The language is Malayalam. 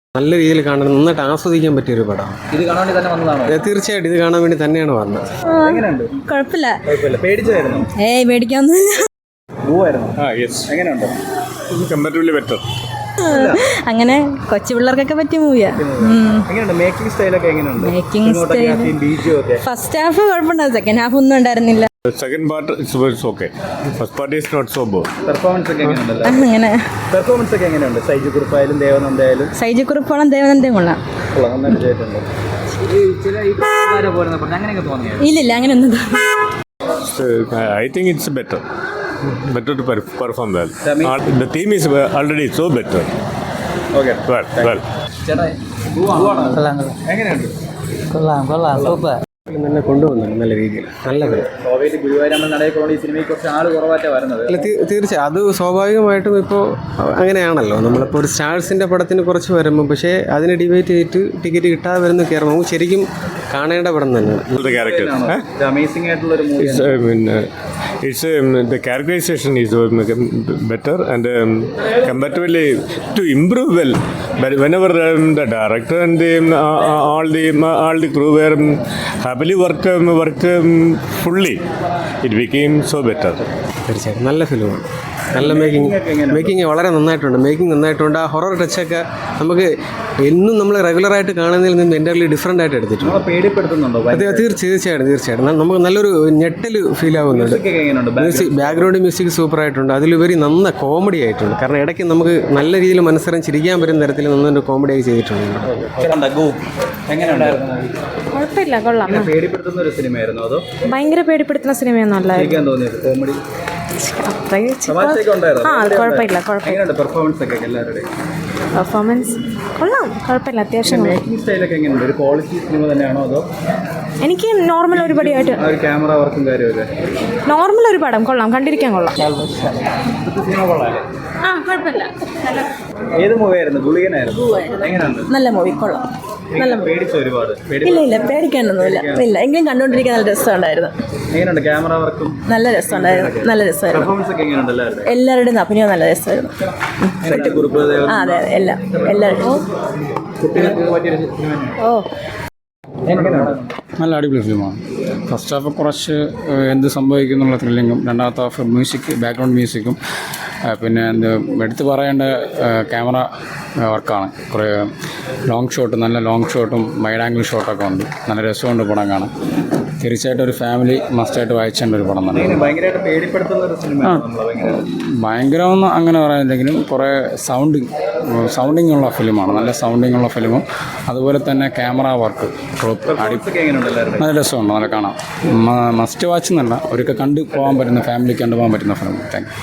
നല്ല രീതിയിൽ കാണാൻ നന്നായിട്ട് ആസ്വദിക്കാൻ പറ്റിയൊരു പടമാണ്. ഇത് കാണാൻ വേണ്ടി തന്നെ വന്നതാണോ? തീർച്ചയായിട്ടും ഇത് കാണാൻ വേണ്ടി തന്നെയാണ് വന്നത്. എങ്ങനെയുണ്ട്? കുഴപ്പമില്ല. പേടിച്ചായിരുന്നു? പേടിക്കാനൊന്നുമില്ല. എങ്ങനെയുണ്ട്? Comparatively better. അങ്ങനെ കൊച്ചു പിള്ളേർക്കൊക്കെ പറ്റിയ മൂവിയാ. എങ്ങനെയുണ്ട് മേക്കിംഗ് സ്റ്റൈലൊക്കെ? എങ്ങനെയുണ്ട് മേക്കിംഗ് സ്റ്റൈൽ? ഫസ്റ്റ് ഹാഫ് കുഴപ്പമുണ്ടായിരുന്നു, സെക്കൻഡ് ഹാഫ് ഒന്നും ഉണ്ടായിരുന്നില്ല. Second part is okay. First part is not so good. Performance ഒക്കെ എങ്ങനെയുണ്ടല്ലോ? അങ്ങനെ പെർഫോമൻസ് ഒക്കെ എങ്ങനെയുണ്ട്? സൈജു കുറുപ്പായാലും ദേവനന്ദയായാലും. സൈജു കുറുപ്പോളം ദേവനന്ദയും കൊള്ളാം. നന്നായിട്ട് ചെയ്തിട്ടുണ്ട്. ഇല്ലില്ല അങ്ങനെയൊന്നും. I think it's better to perform well. The theme is already so better. Okay. Well. ചേട്ടാ എങ്ങനെയുണ്ട്? കൊള്ളാം സൂപ്പർ. തന്നെ കൊണ്ടുവന്നുണ്ട് നല്ല രീതിയിൽ. നല്ല ഗോവയിൽ ഗുരുവായൂരമ്മൻ നടയിൽ ഈ സിനിമയ്ക്ക് കുറച്ച് ആൾ കുറവായിട്ടാണ് വരുന്നത്. അല്ല, തീർച്ചയായും അത് സ്വാഭാവികമായിട്ടും ഇപ്പോൾ അങ്ങനെയാണല്ലോ. നമ്മളിപ്പോൾ ഒരു സ്റ്റാർസിൻ്റെ പടത്തിന് കുറച്ച് വരുമ്പോൾ പക്ഷേ അതിനെ ഡിബേറ്റ് ചെയ്തിട്ട് ടിക്കറ്റ് കിട്ടാതെ വരുന്ന കയറുമ്പോൾ നമുക്ക് ശരിക്കും കാണേണ്ട പടം തന്നെയാണ്. The character. അമേസിംഗ് ആയിട്ടുള്ള ഒരു movie. The characterization is better and comparatively to improve well. But whenever the director and all the crew were happily work fully, it became so better. തീർച്ചയായിട്ടും നല്ല ഫിലിമാണ്. നല്ല മേക്കിംഗ് വളരെ നന്നായിട്ടുണ്ട്. മേക്കിംഗ് നന്നായിട്ടുണ്ട്. ആ ഹൊറർ ടച്ചൊക്കെ നമുക്ക് എന്നും നമ്മൾ റെഗുലറായിട്ട് കാണുന്നതിൽ നിന്ന് എൻ്റർലി ഡിഫറൻ്റ് ആയിട്ട് എടുത്തിട്ടുണ്ട്. പേടിപ്പെടുത്തുന്നുണ്ടോ? തീർച്ചയായിട്ടും നമുക്ക് നല്ലൊരു ഞെട്ടൽ ഫീൽ ആവുന്നുണ്ട്. ബാക്ക്ഗ്രൗണ്ട് മ്യൂസിക് സൂപ്പറായിട്ടുണ്ട്. അതിലുപരി നന്ന കോമഡി ആയിട്ടുണ്ട്. കാരണം ഇടയ്ക്ക് നമുക്ക് നല്ല രീതിയിൽ മനസ്സറിഞ്ഞ് ചിരിക്കാൻ പറ്റുന്ന തരത്തിൽ നന്നൊരു കോമഡി ആയി ചെയ്തിട്ടുണ്ട്. കുഴപ്പമില്ല, കൊള്ളാം. പേടിപ്പെടുത്തുന്ന ഒരു സിനിമയായിരുന്നു അതോ? ഭയങ്കര പേടിപ്പെടുത്തുന്ന സിനിമയൊന്നുമല്ല. കോമഡി പെർഫോമൻസ് കൊള്ളാം, കുഴപ്പമില്ല, അത്യാവശ്യം. ഒരു ക്വാളിറ്റി സിനിമ തന്നെയാണോ അതോ? എനിക്ക് നോർമൽ ഒരു പടിയായിട്ട് ക്യാമറ വർക്കും കാര്യമല്ലേ? നോർമൽ ഒരു പടം കൊള്ളാം, കണ്ടിരിക്കാൻ കൊള്ളാം. സിനിമ കൊള്ളാല്ലേ? കുഴപ്പമില്ല. ഏത് മൂവിയായിരുന്നു? ഗുളികനായിരുന്നു. എങ്ങനെയുണ്ട്? നല്ല മൂവി, കൊള്ളാം. നല്ല പേടിച്ചു ഒരുപാട്? ഇല്ല പേടിക്കാനൊന്നുമില്ല. ഇല്ല എങ്കിലും കണ്ടുകൊണ്ടിരിക്കാൻ നല്ല രസമുണ്ടായിരുന്നു. എങ്ങനെയുണ്ട് ക്യാമറ വർക്കും? നല്ല രസമുണ്ടായിരുന്നു. പെർഫോമൻസ് ഒക്കെ എങ്ങനെയുണ്ട്? എല്ലാവരുടെയും അഭിനയം നല്ല രസമായിരുന്നു. അതെ എല്ലാവരും. നല്ല അടിപൊളി ഫിലിമാണ്. ഫസ്റ്റ് ഹാഫ് കുറച്ച് എന്ത് സംഭവിക്കും എന്നുള്ള ത്രില്ലിങ്ങും, രണ്ടാമത്തെ ഹാഫ് ബാക്ക്ഗ്രൗണ്ട് മ്യൂസിക്കും, പിന്നെ എടുത്തു പറയേണ്ട ക്യാമറ വർക്കാണ്. കുറേ നല്ല ലോങ് ഷോട്ടും വൈഡ് ആംഗിൾ ഷോട്ടൊക്കെ ഉണ്ട്. നല്ല രസമുണ്ട് പടം കാണാൻ. തീർച്ചയായിട്ടും ഒരു ഫാമിലി മസ്റ്റായിട്ട് വായിച്ചേണ്ട ഒരു പടം തന്നെ. ഭയങ്കരമൊന്നും അങ്ങനെ പറയാനില്ലെങ്കിലും കുറേ സൗണ്ടിങ് ഉള്ള ഫിലിമാണ്. നല്ല സൗണ്ടിങ് ഉള്ള ഫിലിമും അതുപോലെ തന്നെ ക്യാമറ വർക്ക് നല്ല രസമുണ്ട്. നല്ല കാണാം. മസ്റ്റ് വാച്ച് എന്നല്ല, ഒരിക്കൽ കണ്ടു പോകാൻ പറ്റുന്ന ഫാമിലിക്ക് കണ്ടുപോകാൻ പറ്റുന്ന ഫിലിം. Thank you.